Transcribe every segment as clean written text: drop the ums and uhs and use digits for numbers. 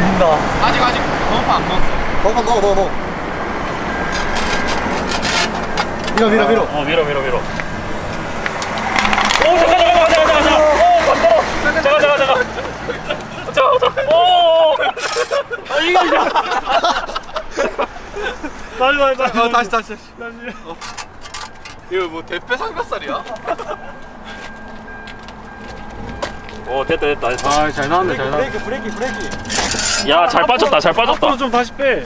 밀린다. 아직 번호판 안 넣었어. 번호판 넣어. 밀어. 밀어. 오, 잠깐. 잠깐. 오. 아, 이게. 다시. 이거 뭐 대패 삼겹살이야? 오, 됐다. 아, 잘 나왔네. 브레이크. 야, 잘 빠졌다. 앞으로 좀 다시 빼.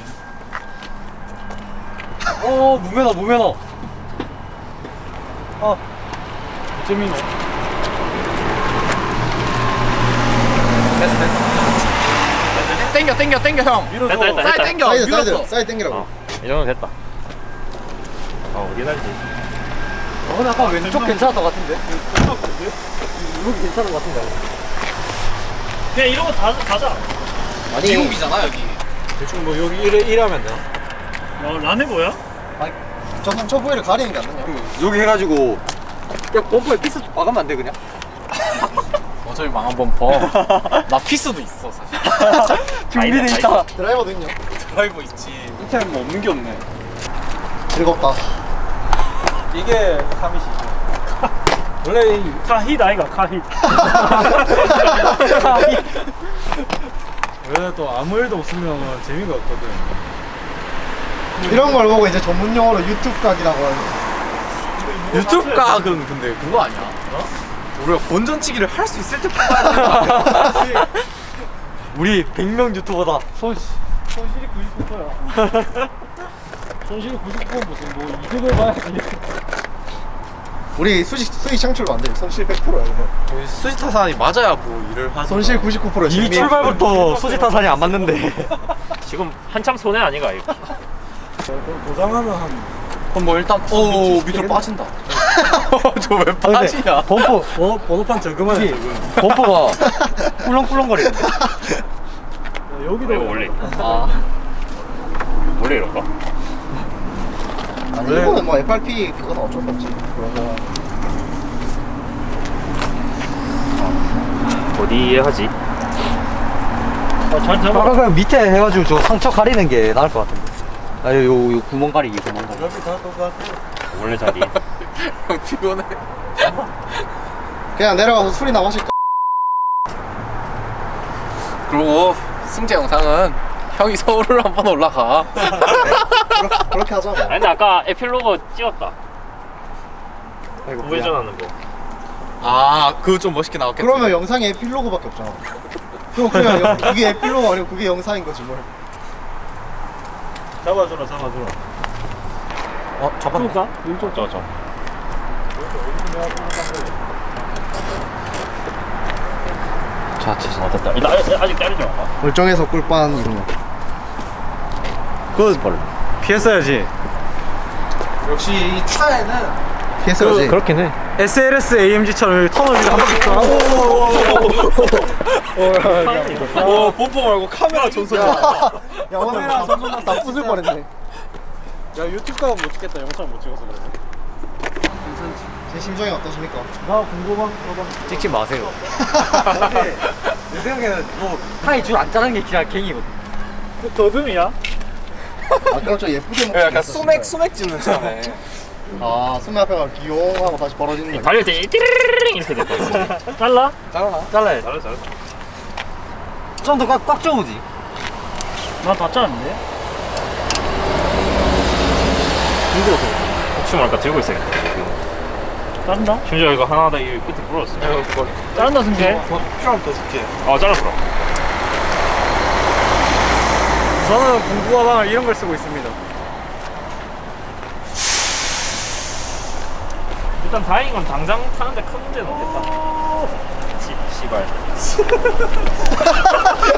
무면허. 재민호. 됐어. 땡겨 형. 됐다. 사이드 땡겨. 밀었어. 사이드 땡기라고. 이 정도 됐다. 어디 할지. 근데 아까 왼쪽 괜찮았던 것 같은데? 여기 괜찮은 것 같은데? 그냥 이런 거 다 가자. 아니, 미국이잖아 여기. 대충 뭐 여기 이래 하면 되나? 라네 뭐야? 저 부위를 가리는 게 안 되냐? 여기 해가지고 그냥 범퍼에 피스 좀 박으면 안 돼, 그냥? 어차피 망한 범퍼. 나 피스도 있어 사실. 준비돼 있다. 드라이버도 있냐? 드라이버 있지. 이 차는 뭐 없는 게 없네. 즐겁다. 이게 카밋이지. 원래 이 카힛 아이가 카힛. 원래 또 아무 일도 없으면 재미가 없거든. 이런 걸 보고 이제 전문 용어로 유튜브 각이라고 하는. 유튜브 각은 근데 그거 아니야? 우리가 본전치기를 할 수 있을 때 뽑아야 되는 거 우리 100명 유튜버다. 손실이 99%야. 손실이 99% 무슨 뭐 이득을 봐야지. 우리 수익 창출도 안 돼. 손실 100%야, 이거. 수지타산이 맞아야 뭐 일을 하지. 손실 99%야. 이 출발부터 수지타산이 안 맞는데. 지금 한참 손해 아니가 이거. 도장하면 한 그럼 뭐 일단 밑으로 빠진다. 저 왜 빠지냐? 범퍼 번호판 저금하네 저금. 범퍼가 꿀렁꿀렁거리는데. 여기도 이거 원래 아 원래 이럴까? 아니, 이거는 뭐 FRP 그건 어쩔 수 없지. 그런 거. 어디에 하지? 잘 잡아. 아까 그냥 밑에 해가지고 저 상처 가리는 게 나을 것 같은데. 요 구멍 가리기. 여기 다 똑같아. 원래 자리. 형 피곤해. 그냥 내려가서 술이나 마실까? 그리고 승재 영상은 형이 서울을 한번 올라가. 그렇게 하자. 뭐. 아니 근데 아까 에필로그 찍었다. 아이고, 우회전하는 거. 아 그거 좀 멋있게 나왔겠다. 그러면 영상에 에필로그밖에 없잖아. 그럼 그냥 그게 에필로그 아니고 그게 영상인 거지 뭘. 잡아주라. 잡았네. 가? 왼쪽 저. 자. 됐다. 일단 아직 때리지 마. 멀쩡해서 꿀빤 이런 거. 그거 피했어야지. 역시 이 차에는 피했어야지. 그렇긴 해. SLS AMG처럼 여기 터널 위로 한 바퀴 쫙. 오 범퍼 말고 카메라 전송. 야 오늘 나 부술 뻔했네. 야 유튜브 가면 못 찍겠다. 영상 못 찍어서 그래. 제 심정이 어떠십니까? 나 궁금한 거 봐. 찍지 마세요. 내 생각에는 뭐 타이 줄 안 자르는 게 그냥 갱이거든. 그 더듬이야? 아 그럼 좀 예쁘게 먹고 약간 소맥 찍는 차네. 아 손님 앞에 가면 귀여워하고 다시 벌어지는 거야. 달릴 때 띠르르르 이렇게 될 거야. 잘라? 잘라나? 잘라야 잘했어. 좀 더 꽉 줘보지. 나 다 잘랐는데? 힘들어서. 혹시 모르니까 들고 있어야겠다. 자른다? 심지어 이거 하나 더 이 끝에 부러졌어. 그걸 자른다 승재. 필요하면 더 줄게. 잘랐어. 저는 공구 가방을 이런 걸 쓰고 있습니다. 일단 다행인 건 당장 타는데 큰 문제는 없겠다. 씨발.